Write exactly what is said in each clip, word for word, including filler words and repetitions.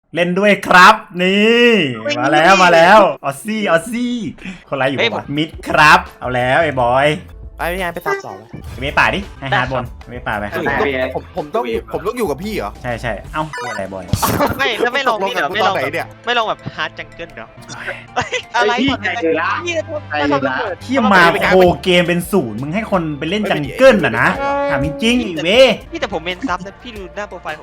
เล่นด้วยครับนี่มาแล้วมาแล้วออซซี่ออซซี่คนไรอยู่วะมิดครับเอาแล้วไอ้บอยไปยังไงไปตัดต่อไปไม่ป่าดิให้ฮาร์ดบนไม่ป่าไปผมผมต้องผมต้องอยู่กับพี่เหรอใช่ใช่เอ้าอะไรบอยไม่แล้วไม่ลงพี่เดี๋ยวไม่ลงไม่ลงแบบฮาร์ดจังเกิลเหรออะไรพี่ใจร้ายที่มาโคเกมเป็นศูนย์มึงให้คนไปเล่นจังเกิลอ่ะนะถามจริงๆอีเว้พี่แต่ผมเมนซับนะพี่ดูหน้าโปรไฟล์ผม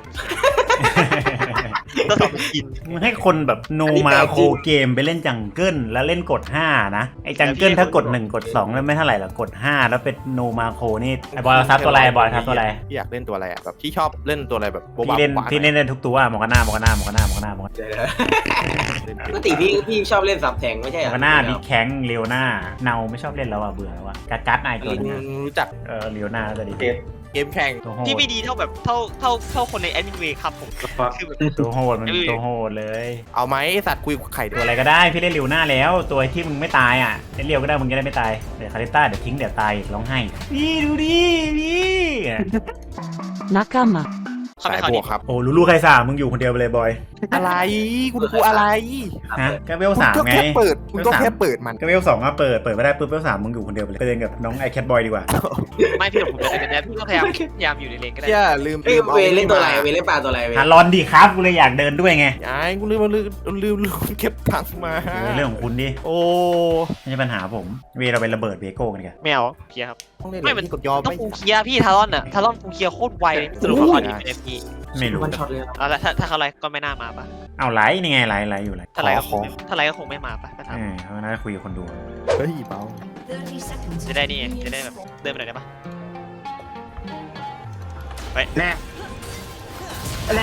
ตัวสองกินมึงให้คนแบบโนมาโคเกมไปเล่นจังเกิลแล้วเล่นกดห้านะไอ้จังเกิลถ้ากดหนึ่งกดสองแล้วไม่เท่าไหร่หรอกกดห้าแล้วเป็นโนมาโคนี่ไอ้บอยทับตัวอะไรบอยทับตัวอะไรพี่อยากเล่นตัวอะไรอ่ะแบบพี่ชอบเล่นตัวอะไรแบบพี่เล่นพี่เล่นได้ทุกตัวมองกันหน้ามองกันหน้ามองกันหน้ามองกันหน้ามองกันปกติพี่พี่ชอบเล่นซับแทงไม่ใช่หรอมองกันหน้าบิ๊กแข้งเลียวหน้าเนาไม่ชอบเล่นแล้วอ่ะเบื่อแล้วอ่ะกัดกัดนายตัวนี้รู้จักเออเลียวหน้าจะดีเกมแข่งพี่ไม่ดีเท่าแบบเท่าเท่าเท่าคนในแอดมินเวครับผมคือแบบตัวโหดมันตัวโหดเลยเอาไหมสัตว์คุยไข่ตัวอะไรก็ได้พี่เล่นเลียวหน้าแล้วตัวที่มึงไม่ตายอ่ะเล่นเลียวก็ได้มึงจะได้ไม่ตายเดี๋ยวคาริต้าเดี๋ยวทิ้งเดี๋ยวตายร้องไห้พี่ดูดิพี่นักกามาสายบวกครับโอ้ลูลูใครสามมึงอยู่คนเดียวไปเลยบอยอะไรคุณครูอะไรฮะก็เวลสามไงเปิดคุณก็แค่เปิดมันก็เวลสองก็เปิดเปิดไม่ได้ปุ๊บเวลสามมึงอยู่คนเดียวไปเลยไปเล่นกับน้องไอแคทบอยดีกว่าไม่พี่ผมจะเป็นแอดพี่ก็พยายามพยายามอยู่ในเลนก็ได้อย่าลืมลืมเวเล่นตัวอะไรเวเล่นปลาตัวอะไรเวฮารอนดีครับกูเลยอยากเดินด้วยไงไอ้กูลืมลืมลืมลืมเก็บตังค์มาเรื่องของคุณดิโอ้ไม่ใช่ปัญหาผมเวเราไประเบิดเวโก้กันกันไม่เอาเคลียร์ครับไม่เป็นกดยอมต้องฟูเคลียร์พี่ทารอนอ่ะทารอนฟูเคลียร์โคตรไวสรุปเขาดีเป็นเอฟพีไม่รู้เอาละถ้าถ้าเขาไลฟ์ก็ไม่น่ามาปะเอาไลฟ์นี่ไงไลฟ์ไลฟ์อยู่ไลฟ์ถ้าไลฟ์ก็คงถ้าไลฟ์ก็คงไม่มาปะเออเขาน่าจะคุยกับคนดูเฮ้ยเบาจะได้นี่จะได้แบบเดินไปไหนได้ปะไปแน่แน่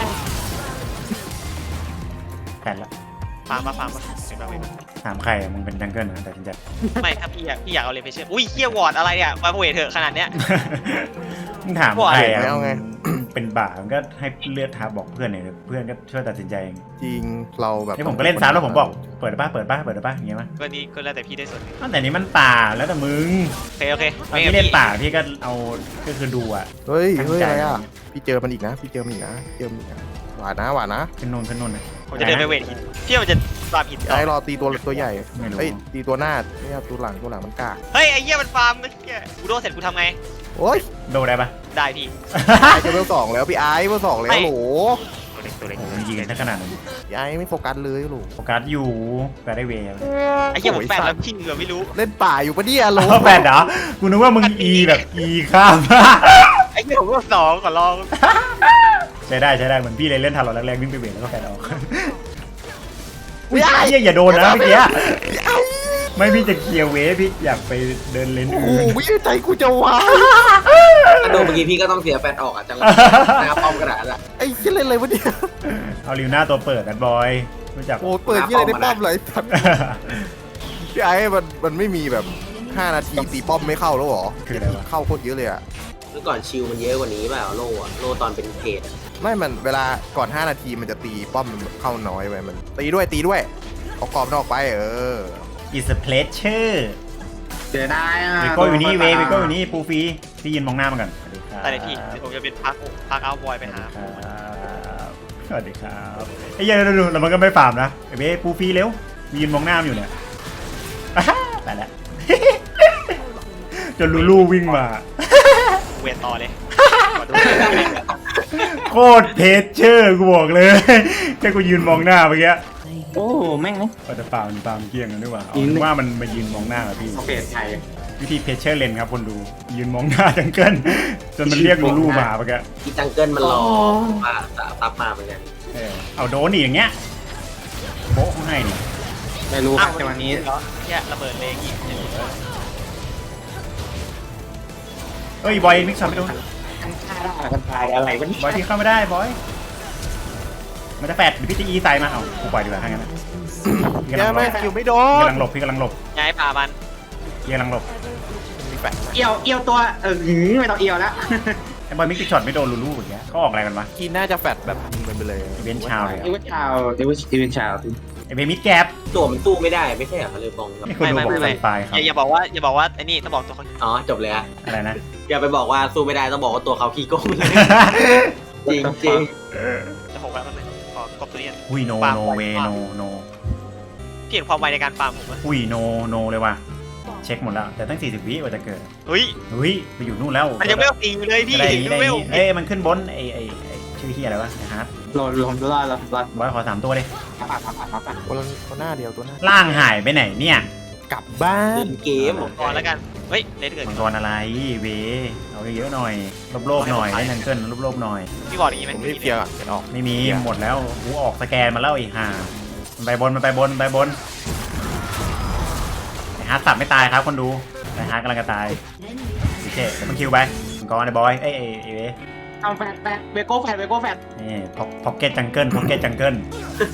แต่ละฟาร์มปะฟาร์มปะถามใครมึงเป็นจังเกิลนะแต่จริงจังไม่ครับพี่อยากพี่อยากเอาเลนไปเชื่ออุ้ยเคี่ยววอร์ดอะไรเนี่ยมาเวทเถอะขนาดเนี้ยมึงถามใครอ่ะเป็นบ่ามันก็ให้เลือดทับบอกเพื่อนเนี่ยเพื่อนก็ช่วยตัดสินใจเองจริงเราแบบนี่ผมก็เล่นซ้ำแล้วผมบอกเปิดป่ะเปิดป่ะเปิดป่ะอย่างเงี้ยมั้ยก็นี่ก็แล้วแต่พี่ได้ส่วนแต่นี้มันป่าแล้วแต่มึงโอเคโอเคไม่เล่นป่าพี่ก็เอาก็คือดูอ่ะเฮ้ยเฮ้ยอะไรอ่ะพี่เจอมันอีกนะพี่เจอมันอีกนะเจอมันอีกนะหวานนะหวานนะขึ้นนนขึ้นนนนะผมจะเดินไปเวทหินพี่มันจะฟาร์มหินไอ้รอตีตัวตัวใหญ่เฮ้ยตีตัวหน้าไม่เอาตัวหลังตัวหลังมันกล้าเฮ้ยไอ้เหี้ยมันฟาร์มเมื่อกี้กูโดนเสร็จกูทำไงโอ้ยโดนได้ปะได้พี่ไอ้เบลสองแล้วพี่ไอ้เบลสองแล้วโหตัวเล็กตัวเล็กยิงกันขนาดนั้นไอ้ไม่โฟกัสเลยโหโฟกัสอยู่แต่ได้เวย์ไอ้เหี้ยผมแปดแล้วพี่เหงื่อไม่รู้เล่นป่าอยู่ปะเนี่ยโหแปดเหรอกูนึกว่ามึงอีแบบอีข้ามไอ้เหี้ยผมก็สองก่อนลองใช้ได้ใช้ได้เหมือนพี่เลยเล่นทันหรอแรกๆวิ่งไปเวทแล้วก็แปดออกอุ้ยไอ้อย่าโดนนะเมื่อกี้ไม่พี่จะเคลียร์เวพี่อยากไปเดินเลนโอ้โหไม่ใจกูจะวายโดนเมื่อกี้พี่ก็ต้องเสียแฟนออกอ่ะจังเลยนะครับป้อมกระดาษอ่ะไอ้เล่นอะไรวะเนี่ยเอาลิวหน้าตัวเปิดกันบอยรู้จักโอ้เปิดยี่อะไรได้ป้อมเลยพี่ไอ้มันมันไม่มีแบบห้านาทีตีป้อมไม่เข้าแล้วหรอคืออะไรวะเข้าโคตรเยอะเลยอ่ะเมื่อก่อนชิลมันเยอะกว่านี้เปล่าโล่โล่ตอนเป็นเกตไม่มันเวลาก่อนห้านาทีมันจะตีป้อมเข้าน้อยไปมันตีด้วยตีด้วยเอากรอบนอกไปเออ It's a pleasure เจอได้อ่ะเวโก้อยู่นี่เวเวโก้อยู่นี่ปูฟีพี่ยินมองหน้ามันก่อนสวัสดีครับแต่พี่ผมจะเป็นพักพักเอาบอยไปหาสวัสดีครับไอ้ยัยดูแล้วมันก็ไม่ฟาร์มนะเวปูฟีเร็วยืนมองหน้าอยู่เนี่ยไปแล้วจนลูลูวิ่งมาเวทต่อเลยโคตรเพชเชอร์กูบอกเลยแค่กูยืนมองหน้าเมื่อกี้โอ้แม่งนะก็จะฟาร์มฟาร์มเกี้ยงกันด้วยว่าว่ามันมายืนมองหน้าพี่เพจไทยวิธีเพชเชอร์เลนครับคนดูยืนมองหน้าจังเกิลจนมันเรียกลูลูมาเมื่อกี้ที่จังเกิลมันรอมาตับมาเหมือนกันเอาโดนอีกอย่างเงี้ยโบ๊ะให้นี่ไม่รู้ครับจังหวะนี้เนี่ยระเบิดเลยอีกเฮ้ยบอยมิกซ์ไม่โดนกันทายอะไรวะบอยที่เข้าไม่ได้บอยมันจะแฟดหรือพี่จะอีไซมาเอากูปล่อยดีกว่าทั้งนั้นพี่กำลังหลบอยู่ไม่โดนพี่กำลังหลบพี่กำลังหลบย้ายป่ามันพี่กำลังหลบเอียวเอียวตัวเออหืมไม่ต้องเอียวแล้วไอ้บอยมิกซ์ช็อตไม่โดนลูลูอย่างเงี้ยเขาออกอะไรกันวะกินน่าจะแฟดแบบยิงมันไปเลยเวนชาวเอเวนชาวเอเวนเอเวนชาวไอ้เบมิดแกปตัวมันสู้ไม่ได้ไม่ใช่เหรอเลยบองไม่ไม่ไม่ไม่อย่าบอกว่าอย่าบอกว่าไอ้นี่ต้องบอกตัวเขาอ๋อจบเลยอะอะไรนะอย่าไปบอกว่าสู้ไม่ได้ต้องบอกว่าตัวเขาขี้โกงเลยจริงจริงจะหกแล้วมันเลยพอกบตัวนี้อุ้ยโนฟาร์มโนไวเวมากโนโนพี่เห็นความไวในการฟาร์มผมไหมอุ้ยโนโนเลยว่ะเช็คหมดแล้วแต่ตั้งสี่สิบวิกว่าจะเกิดเฮ้ยเฮ้ยไปอยู่นู่นแล้วมันยังไม่เอาตีอยู่เลยพี่ได้อย่างนี้ได้อไม่ย่างเอานี้เอ้ยมันขึ้นบนไอ้ไอ้ไอ้ชื่อเฮียอะไรวะไอ้ฮาร์ดรอรอรอรอรอบอยขอสามตัวเลยอ่ะอ่ะอ่ะอ่ะอ่ะคนละคนหน้าเดียวตัวหน้าล่างหายไปไหนเนี่ยกลับบ้านเล่นเกมก่อนแล้วกันเฮ้ยเลดเกิดมังกรอะไรเวเอาเยอะๆหน่อยโลบๆหน่อยได้นังเกิลโลบๆหน่อยพี่บอกอย่างนี้ไหมผมรีบเคลียร์ก่อนเดี๋ยวออกไม่มีหมดแล้วกูออกสแกนมาแล้วไอ้ห่ามันไปบนมันไปบนมันไปบนไอ้ฮาร์ดสับไม่ตายครับคนดูไอ้ฮาร์ดกำลังจะตายโอเคเดี๋ยวมันคิวไปมังกรไอ้บอยเอ้ยไอ้ไอ้เวเอาแฟดแฟดเบโก้แฟดเบโก้แฟดนี่พ็อกเก็ตจังเกิลพ็อกเก็ตจังเกิล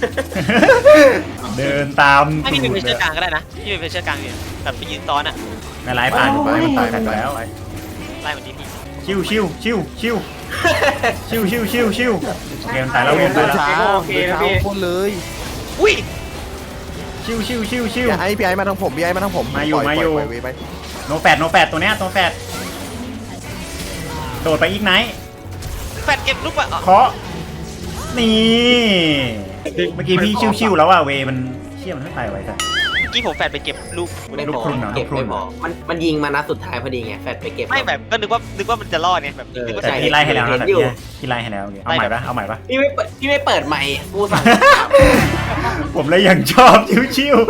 เดินตามให้ตูพี่เป็นดเพชเชอร์กลางก็ได้นะพี่เป็นเพชเชอร์กลางอยู่แบบไปยืนซ้อนอ่ะไม่ไล่ผ่านอยู่ไปมันตายกันแล้วไล่เหมือนที่พี่ชิวชิวชิวชิวชิวชิวชิวชิวโอเคมันตายแล้วมันตายแล้วเช้าเดินเช้าคนเลยอุ้ยชิวชิวชิวชิวพี่ไอ้พี่ไอ้มาทางผมพี่ไอ้มาทางผมมาอยู่ปล่มาอยู่ปล่ปล่ไปโนแฟดโนแฟดตัวเนี้ยตัวแฟดโดดไปอีกไหนแฟดเก็บลูกอะเคาะนี่เมื่อกี้พี่ชิวๆแล้วอ่ะเวมันเชี่ยมันไม่ตายไว้แต่เมื่อกี้ผมแฟดไปเก็บลูกไม่ลูพกอครึ่งเหรอเก็บลูกครึ่ไม่งพอมันมันยิงมานัดสุดท้ายพอดีไงแฟดไปเก็บไม่แบบก็นึกว่านึกว่ามันจะรอดเนี่ยแบบนึกว่าแต่จะพี่ไล่ให้แล้วนะเห็แต่นอยู่พี่พี่ไล่ให้แล้วเอาใหม่ปะเอาใหม่ปะพี่ไม่เปิดพี่ไม่เปิดใหม่กูสั่งผมเลยยังชอบชิว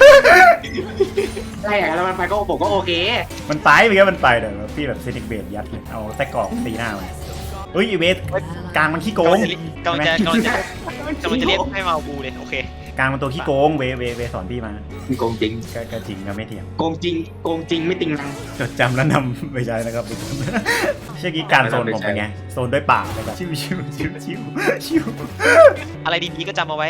ใช่แล้วมันไปก็ผมก็โอเคๆมันตายไปก็มันไปเดี๋ยวพี่แบบเซนิกเบดยัดเลยเอาแต่กรอกตีหน้ามันเฮ้ยอีเวสกลางมันขี้โกงกำลังจะกำลังจะกำลังจะเรียกให้มาเอาบูเลยโอเคกลางมันตัวขี้โกงเวเวเวสอนพี่มาโกงจริงก็ก็จริงก็ไม่เถียงโกงจริงโกงจริงไม่ติงนังจดจำแล้วนำไปใช้นะครับทุกคนเชื่อกี้การโซนผมเป็นไงโซนด้วยปากเลยแบบชิวชิวชิวชิวชิวอะไรดีๆก็จำเอาไว้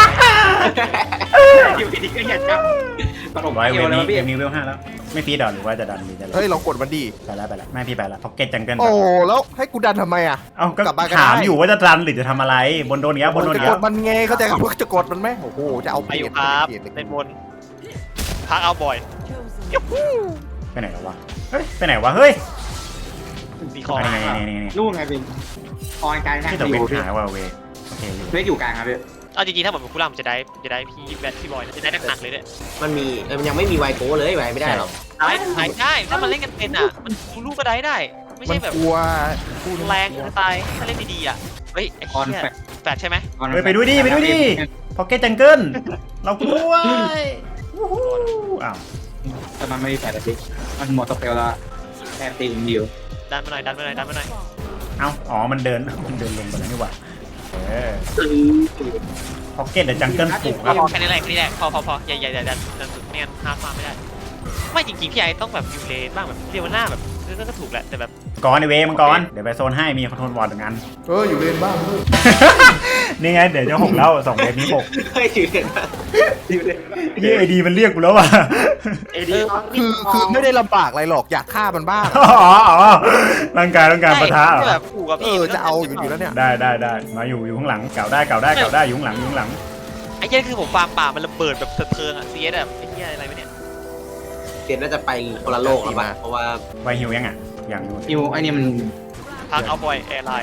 อยู่ดีๆก็อยากจำตลกร้อยเวเดียวลเลยนี้พี่เวลนี้เวลห้าแล้วไม่ฟีดหรอหรือว่าจะดันหรือจะเฮ้ยลองกดมันดีไปแล้วไปแล้วไม่พี่ไปแล้วพ็อกเก็ตจังเกิลโอ้แล้วให้กูดันทำไมอ่ะเอ้าก็กลับบ้านก็ถามได้อยู่ว่าจะดันหรือจะทำอะไรบนโดนเนี้ยบนโดนจะเนี้กยดมันไงเข้าใจครับว่าจะกดมันไหมโอ้โหจะเอาไปเปอรียยู่บครับเปรียบเลยเป็นบนพักเอาบ่อยไปไหนแล้ววะเฮ้ยไปไหนวะเฮ้ยสีคอนี่นี่นี่นี่นู่นไงเป็นออนกลางข้างที่ตัวอเป็นยู่พี่หายว่าเวโอเคอยู่เล็กอยู่กลางครับพี่เอาจริงๆถ้าผมเป็นคู่ล่ามจะได้จะได้พี่แบทพี่บอยจะได้หนักๆเลยเนี่ยมันมีเออมันยังไม่มีไวโก้เลยไวไม่ได้หรอกได้ได้ได้ถ้ามันเล่นกันเป็นอ่ะมันลูกก็ได้ได้ ไม่มันใช่แบบกลัวพูดแรงจะตายถ้าเล่นดีๆอ่ะเฮ้ยไอ้ออนเหี้ยแฟดแฟดใช่ไหมออนเฮ้ยไปดูดิไปดูดิพ็อกเก็ตจังเกิลเรากลัววู้ฮู้อ้าวแต่มันไม่มีแฟดอะพี่มันหมดสเปลแล้วแค่ตีมเดียวดันมาหน่อยดันมาหน่อยดันมาหน่อยเอ้าอ๋อมันเดินมันเดินลงไปแล้วนี่หว่าเออพ็อกเก็ตเดี๋ยวจังเกิลผูกครับแค่นี้แหละแค่นี้แหละพอพอพออย่าอย่าอย่าดันดันสุดไม่งั้นฮาร์ดมาไม่ได้ไม่จริงๆพี่ไอ้ต้องแบบยูเลนบ้างแบบเรียวหน้าแบบก็ก็ถูกแหละแต่แบบกรในเวมังกรเดี๋ยวไปโซนให้มีคอนโทรลวอร์ดหนึ่งอันเอออยู่เลนบ้างเฮ้ยนี่ไงเดี๋ยวจะหกแล้วสองเวฟนี้หกเฮ้ยอยู่เนี่ยอยู่เนี่ยยี่ไอดีมันเรียกกูแล้วว่ะเอดีคือคือไม่ได้ลำบากอะไรหรอกอยากฆ่ามันบ้างอ๋ออ๋อร่างกายต้องการปะทะเหรใช่อแบบขู่กับเอพี่อจะเอาอยู่อยู่แล้วเนี่ยได้ได้ได้มาอยู่อยู่ข้างหลังเก่าได้เก่าได้เก่าได้อยู่ข้างหลังอยู่ข้างหลังไอ้เหี้ยคือผมฟาร์มป่ามันระเบิดแบบสะเทิงอ่ะเสียแบบไอ้เหี้ยอะไรวะเนี่ยเสียน่าจะไปคนละโลกแล้วป่ะเพราะว่าไวฮิวยังอ่ะยังอยู่นิวไอ้นี่มันพักเอาบ่อยแอร์ไลน์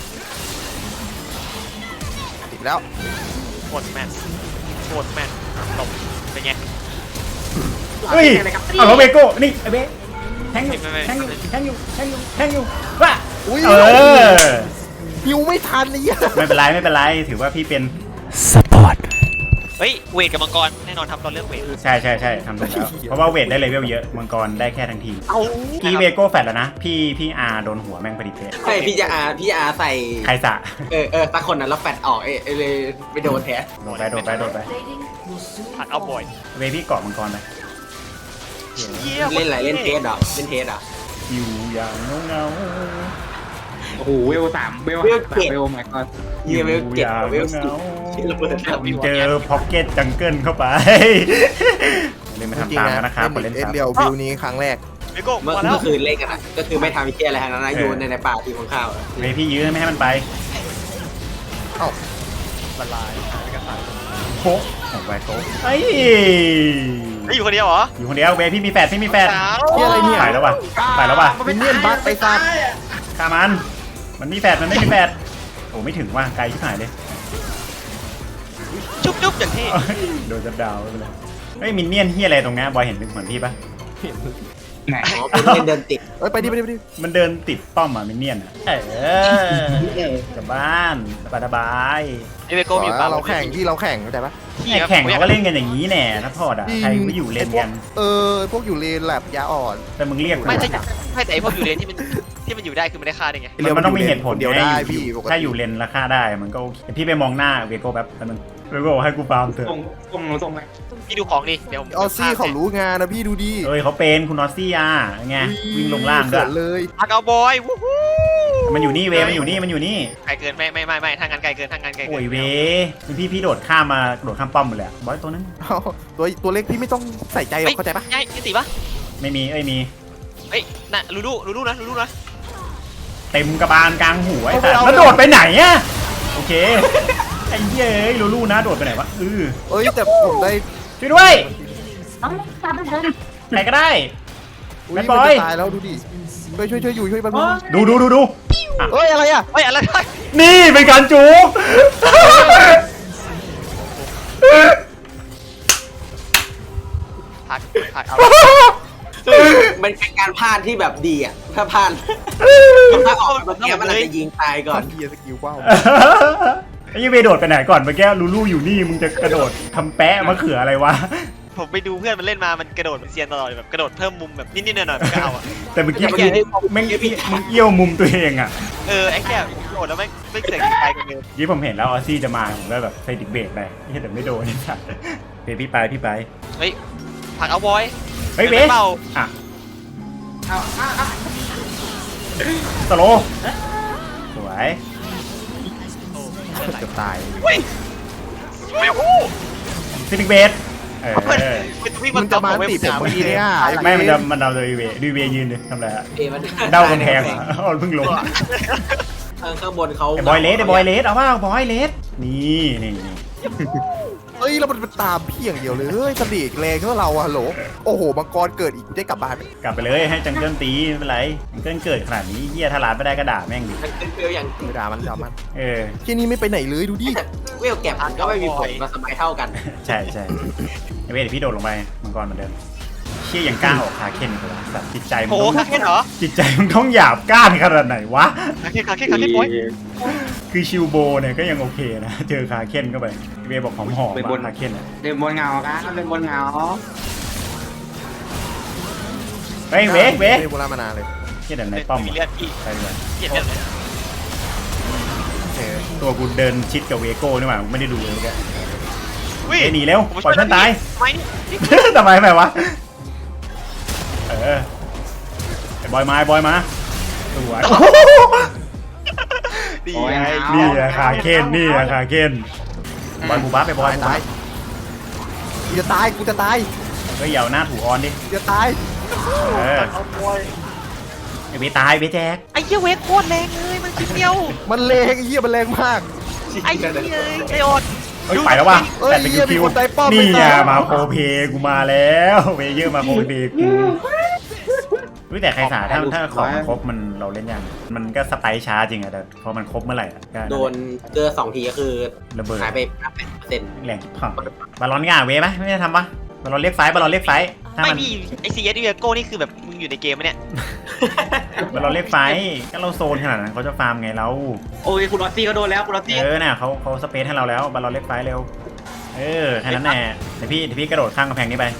ติดแล้วโคตรแมนโคตรแมนตบเป็นไงเฮ้ยเอาเขาเบโก้นี่ไอเบแทงอยู่ไม่ไม่แทงอยู่ไม่แทงอยู่แทงอยู่แทงอยู่ว่ะอุ้ยเออฮิวไม่ทันเลยอ่ะไม่เป็นไรไม่เป็นไรถือว่าพี่เป็นเฮ้ยเวทกับมังกรแน่นอนทำตอนเลือกเวทใช่ใช่ใช่ทำถูกแล้วเพราะว่าเวทได้เลเวลเยอะมังกรได้แค่ทั้งทีเอาพี่เวโก้แฟดแล้วนะพี่พี่อาโดนหัวแม่งพอดีเป๊ะใช่พี่จะอาพี่อาใส่ใครสะเออเออตาคนนั้นแล้วแฟดออกเออเลยไปโดนแท้โดนไปโดนไปโดนไปพักเอาบ่อยเวพี่เกาะมังกรไปเหี้ยเล่นอะไรเล่นเทสเหรอเล่นเทสเหรออยู่อย่างเงาเงาโอ้โหเวลสามเวลห้าสามเวลแม็กก็ๆเยี่ยมเวลเจ็ดอยู่เวลอย่างสิบเงาที่ระเบิดครับๆเจอพ็อกเก็ตจังเกิลเข้าไปเล่นมาจริทำงตามๆกันนะนะครับเล่นกดเล่นเอ็นครับเรียววิวนี้ครั้งแรกเวโก้เมื่อมาแล้วเมื่อคืนเล่นกันอ่ะก็คือไม่ทำเชี่ยอะไรทั้งนั้นนะอยู่ในในป่าทีของข้าวอะเวพี่ยื้อไม่ให้มันไปละลายหายไปกันตันโค้ของไวโก้ไอ้ไอ้อยู่คนเดียวเหรออยู่คนเดียวเวพี่มีแฟดพี่มีแฟดสาวเหี้ยอะไรเนี่ยไปแล้วว่ะไปแล้วว่ะมินเนี่ยนบัคไปซะฆ่ามันมันมีแฟดมันไม่มีแฟดโอ้ไม่ถึงว่ะไกลชิบหายเลยจุ๊บอย่างที่โดนจับดาวไปเลยเฮ้ยมินเนี่ยนเฮียอะไรตรงเนี้ยบอยเห็นเป็นเหมือนพี่ปะไหนอ๋อเป็นเล่นเดินติดเอ้ยไปดิไปดิไปดิมันเดินติดป้อมอ่ะมินเนี่ยนอ่ะเออกลับบ้านสบายไอเวโก้มีอยู่ปะเราแข่งที่เราแข่งเข้าใจปะๆไอ้แข่งเขาก็เล่นกันอย่างนี้แน่นะพอดอ่ะใครไม่อยู่เล่นกันเออพวกอยู่เลนแลบยาอ่อนแต่มึงเรียกกูไม่ใช่อะไม่แต่ไอพวกอยู่เลนที่มันที่มันอยู่ได้คือมันได้ค่าได้ไงมันมันต้องมีเหตุผลเดียวไงได้อยู่พี่ปกติถ้าอยู่เลนราคาได้มันก็โอเคแต่พี่ไปมองหน้าเวโก้แป๊บแป๊บนึงเวโก้ให้กูฟาร์มเถตรอะงตรงตรงไหนพี่ดูของดิเดี๋ยวผมออซซี่เขารู้งานนะพี่ดูดิเอ้ยเขาเป็นคุณนอสซี่อ่ะไงวิ่งลงล่างด้วเกิยดเลยพักเอาบอยวู้ฮู้มันอยู่นี่เวมันอยู่นี่มันอยู่นี่ไกลเกินไม่ไม่ไม่ไม่ทางงานไกลเกินทางงานไกลเกิโอ้ยเวพี่พี่โดดข้ามมาโดดข้ามป้อมหมดเลยอะบอยตัวนั้นเอาตัวตัวเล็กพี่ไม่ต้องใส่ใจหรอกเข้าใจปะใช่ยี่สิบปะไม่มีเอ้ยมีเฮ้ยน่ะลูลูลูลูนะลูลูนะเต็มกระบาลกลางหัวไอ้สัสแล้วโดดไปไหนอะโอเคไอ้เหี้ยเอ้ยลูลูนะโดดไปไหนวะเออเอ้ยแต่ผมได้ช่วยด้วยไหนก็ได้อุ้ยแบมัดนบอยจะตายแล้วดูดิช่วยช่วยช่วยอยู่ช่วยมันมึงดูดูดูดูเอ้ยอะไรอ่ะเฮ้ยอะไรได้นี่เป็นการจูบพักพักเอามันเป็นการพลาดที่แบบดีอ่ะถ้าพลาดถ้าออกเมื่อกี้มันอาจจะยิงตายก่อนเฮียสกิลว้าวไอ้ยี่เวโดดไปไหนก่อนเมื่อกี้ลูลูอยู่นี่มึงจะกระโดดทำแปะมะเขืออะไรวะผมไปดูเพื่อนมันเล่นมามันกระโดดเป็นเซียนตลอดแบบกระโดดเพิ่มมุมแบบนิดๆหน่อยๆมันก็เอาอ่ะแต่เมื่อกี้ไอ้เหี้ยนี่แม่งมึงเอี้ยวมุมตัวเองอ่ะเออไอ้แค่โดดแล้วไม่ไม่เสียงไปกันเลยยี่ผมเห็นแล้วออซซี่จะมาผมก็แบบใส่ดิกเบรกไปนี่แต่ไม่โดนนี่สัตว์เฮ้ยพี่ไปพี่ไปเฮ้ยผักเอาบอยเฮ้ยเวไม่เบาอ่ะเอาเอาเอาสโลว์สวยจะตายเฮ้ยไม่ฮู้ฟินิกเบสเออมันวิ่งมัมัน นจะจะมามาติติดดผมเมื่อกี้เนี่ยไม่มันจะมันเดาโดยเวดูเวยืนดิทำอะไรอะเอ้ยมันเดากำแพงเหรออ๋อเพิ่งลงข้างข้างบนเขาไอ้บอยเลสไอ้บอยเลสเอาว่าบอยเลสนี่นี่นี่เฮ้ยแล้วมันเป็นตามพี่อย่างเดียวเลยเฮ้ยสลีกแรงเท่าเราอะฮัลโหลโอ้โหมังกรเกิดอีกกูได้กลับบ้านไหมกลับไปเลยให้จังเกิลตีไม่เป็นไรจังเกิลเกิดขนาดนี้เหี้ยถ้าลาดไม่ได้ก็ด่าแม่งดิมันเป็นเฟลอย่างไม่ด่ามันด่ามันเออที่นี่ไม่ไปไหนเลยดูดิแต่เวลแก็บมันก็ไม่มีผลมาสมัยเท่ากันใช่ใช่ไอ้เวทเดี๋ยวพี่โดดลงไปมังกรเหมือนเดิมเชี่ยยังกล้าออกคาเคนอีกเหรอสัตว์จิตใจมึงโอ้ต้องคาเคนเหรอจิตใจมึงต้องหยาบก้านขนาดไหนวะคาเคนคาเคนคาเคนบอยคือชิวโบเนี่ยก็ยังโอเคนะ เจอคาเคนเข้าไปเวบอกหอมหอมคาเคนอะเดินบนเงาครับเดินบนเงาเฮ้ยเวเวโบราณมานานเลยเชี่ยเดี๋ยวในป้อมมีอะเลือดพี่ไปดีกว่าเกลียดเลือดเลยเออตัวกูเดินชิดกับเวโก้นี่หว่าไม่ได้ดูเลยแกวิ่เอ้ยหนีเร็วปล่อยเพื่อนตายไม่ทำไมทำไมวะเออไอ้บอยมาไอ้บอยมาสวยดีโอ้ยไงนี่อะคาเคนนี่อะคาเคนบอยบูบัฟไปบอยตายบูบัตายฟกูจะตายกูจะตายก็เหยาหน้าถูออนดิกูจะตายเออไอ้เบตายเบแจกไอ้เหี้ยเวทโคตรแรงเลยมันชิ้นเดียวมันแรงไอ้เหี้ยมันแรงมากไอ้เหี้ยไอ้อดเฮ้ยไปแล้วว่ะเอ้ยแต่เป็นเหี้ยคิวมีคนไต่ป้อมนี่ไงไม่ตายมาโคเพกูมาแล้วเวเยอร์มาโคเพกูเฮ้ยแต่ใครสาถ้าถ้าของมันครบมันเราเล่นยังมันก็สไปค์ช้าจริงอะแต่พอมันครบเมื่อไหร่อะก็โดนเจอสองทีก็คือระเบิดหายไปห้าสิบเปอร์เซ็นต์แรงพังบอลลอนง่าเวไหมไม่ได้ทำปะบอลลอนเรียกไฟบอลลอนเรียกไฟถ้าไม่มันพี่ไอซีเอสเวโก้นี่คือแบบมึงอยู่ในเกมไหมเนี่ยบอลลอนเรียกไฟก็เราโซนขนาดนั้นเขาจะฟาร์มไงเราโอ้ยคุณลอตตี้ก็โดนแล้วคุณลอตตี้เออเนี่ยเขาเขาสเปซให้เราแล้วบอลลอนเรียกไฟเร็วเออแค่นั้นแหละเดี๋ยวพี่เดี๋ยวพี่กระโดดข้างกำแพงนี้ไป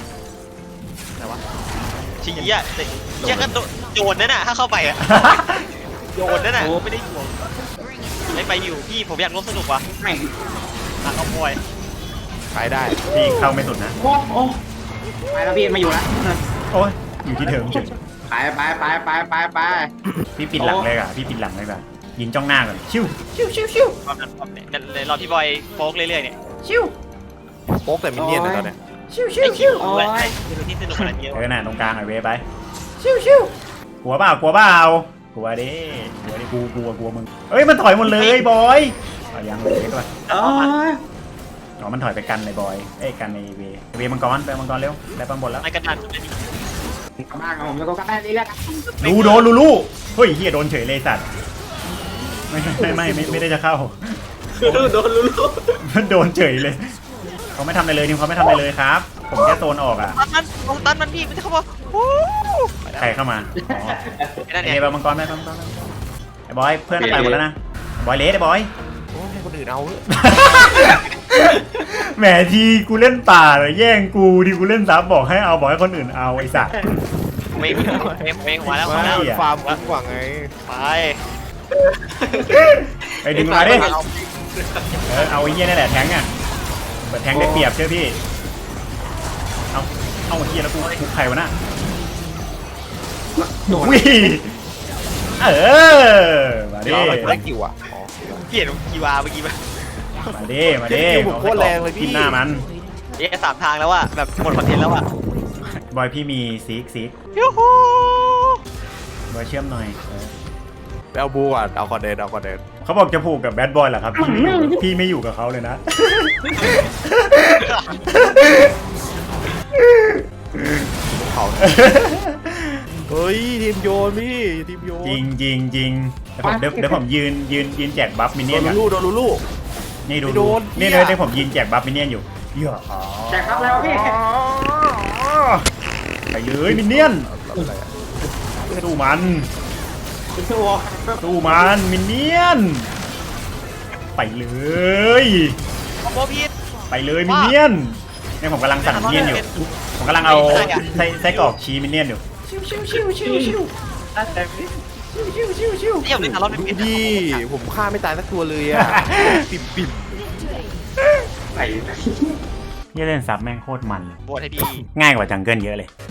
ชี้อ่ะแต่เชี่ยก็โดนนั่นน่ะถ้าเข้าไปอ่ะโดนนั่นน่ะไม่ได้ห่วงไม่ไปอยู่พี่ผมอยากร่วมสนุกว่ะแม่งอ่ะเอาบอยไปได้พี่เข้าไม่สุดนะโอ้โอ้ไปแล้วพี่มาอยู่แล้วโอ้ยอยู่ที่เดิมเฉยไปไปไปไปไปไปพี่ปิดหลังเลยอ่ะพี่ปิดหลังเลยแบบยิงจ้องหน้าก่อนชิวความนั้นความเนี่ยเลยรอพี่บอยโฟกเรื่อยๆเนี่ยโป๊กแต่มินเนี่ยนนะตอนเนี้ยไอ้คิวแหละเป็นที่สนุกขนาดนี้เออน่ะตรงกลางไอเวไปชิวชิวกลัวเปล่ากลัวเปล่ากลัวดิกลัวดิกูกลัวกลัวมึงเอ้ยมันถอยหมดเลยบอยเอายังเลยก็ไปเอออ๋อมันถอยไปกันในบอยเอ้ยกันในเวเวมังกรไปมังกรเร็วได้ปังบนแล้วไอ้กระดานกลับบ้านกับผมแล้วก็กลับบ้านนี่แหละดูโดนลูลูเฮ้ยเฮียโดนเฉยเลยสัตว์ไม่ไม่ไม่ไม่ไม่ได้จะเข้าโดนลุ้นมันโดนเฉยเลยเขาไม่ทำอะไรเลยทีมเขาไม่ทำอะไรเลยครับ ผมแค่โซนออกอ่ะตันมันลงตันมันพี่มันจะเข้ามาโอ้ไปแล้วใครเข้ามาอ๋อไอ้นั่นไอเนี่ยเนบมังกรไหมมังกรไหมไอ้บอยเพื่อนไปหมดแล้วนะบอยเลสไอ้บอยโอ้ให้คนอื่นเอาเถอะแหมทีกูเล่นป่าเลยแย่งกูทีกูเล่นซับบอกให้เอาบอกให้คนอื่นเอาไอ้สัสเมงเมงเมงมาแล้วมาไม่แล้วฟาร์มคุ้มกว่าไงไปไปดึงมาดิเออเอาไอ้เหี้ยนี่แหละแทงอ่ะเปิดแทงได้เปรียบเชื่อพี่เอาเอาไอ้เหี้ยแล้วกูกูใครวะน่ะโดนอุ้ยเออมาดิเดี๋ยวเอาอะไรกูได้กิวอ่ะอ๋อเปลี่ยนกีวาเมื่อกี้ไหมมาดิมาดิคิวผมโคตรแรงเลยพี่กินหน้ามันเอ๊ะสามทางแล้วอะแบบหมดคอนเทนต์แล้วอะบอยพี่มีซีกซีกยูฮูบอยเชื่อมหน่อยเออไปเอาบูก่อนเอาคอนเดนเอาคอนเดนเขาบอกจะผูกกับแบดบอยเหรอครับพี่ไม่อยู่พี่ไม่อยู่กับเขาเลยนะเขา เฮ้ยทีมโยนพี่ทีมโยนจริงจริงจริงเดี๋ยวผมเดี๋ยวเดี๋ยวผมยืนยืนยืนแจกบัฟมินโดเนี่ยนนกันลูกโดนลูกนี่ดูไม่โดนนี่เหี้เลย ยเดี๋ยวผมยืนแจกบัฟมินเนี่ยนอยู่เหี้ยอ๋อแจกครับแล้วพี่ไปเลยมินเนี่ยนสู้มันตัวสู้มันมินเนี่ยนไปเลยคอมโบพีทไปเลยมินเนี่ยนเนี่ยผมกำลังสั่งมินเนี่ยนอยู่ผมกำลังเอาไส้ไส้กรอกชีมินเนี่ยนอยู่เยี่ยมเลยนะรอบนี้ดูเป็นดิผมฆ่าไม่ตายสักตัวเลยอ่ะปิ่มปิ่มไหนเนี่ยเล่นซับแม่งโคตรมันเลยโบนให้พี่ง่ายกว่าจังเกิลเยอะเลย